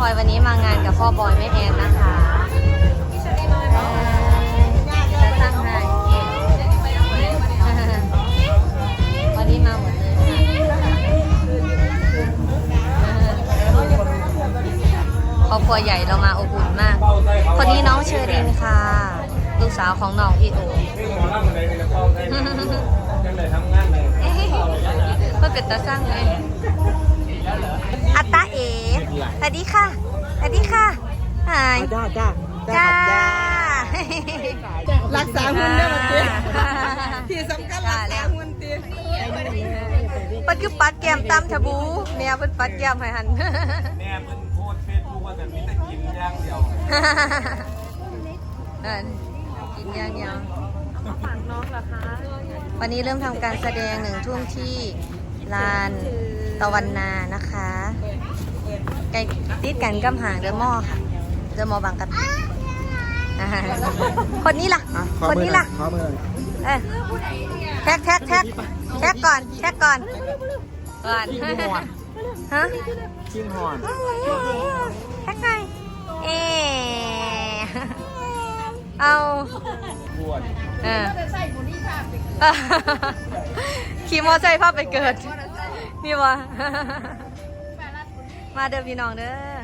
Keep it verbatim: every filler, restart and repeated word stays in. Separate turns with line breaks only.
อยวันนี้มางานกับพ่อบอยแม่แอนนะคะจะสร้างให้วันนี้มาหมดเลยครอบครัวใหญ่เรามาอบอุ่นมากคนนี้น้องเชอรินค่ะลูกสาวของน้องพี่โอมันเป็นตาสร้างเลยอัตตาเอ๋สวัสดีค่ะสวัสดีค่ะหาย
จ้าจ้า
จ้า
รักษาหุ่นได้มาเจ๊ที่สำคัญรักษาหุ่นตี
ปัดคือปัดแก้มตำชาบูแม่เป็นปัดแก้มให้หัน
แม่เป็นโพสเฟซบุ๊กว่าแต่มีแต่กินอย่างเดียว
กินอย่างเดียวฝากน้องเหรอคะวันนี้เริ่มทำการแสดงหนึ่งทุ่มที่ลานตะวันนานะคะใกล้ติดกันกำหางเดอะมอค่ะเดอะมอบางกะปิคนนี้ล่ะคนนี้ล่ะเออแท็กแท็กแท็กแท็กก่อนแท็กก่อนก่อนฮะ
ชิงหอน
แท็กไงเอเอาเออขี่มอไซค์ภาพไปเกิดนี่วะมาเดิมพี่น้องเด้อ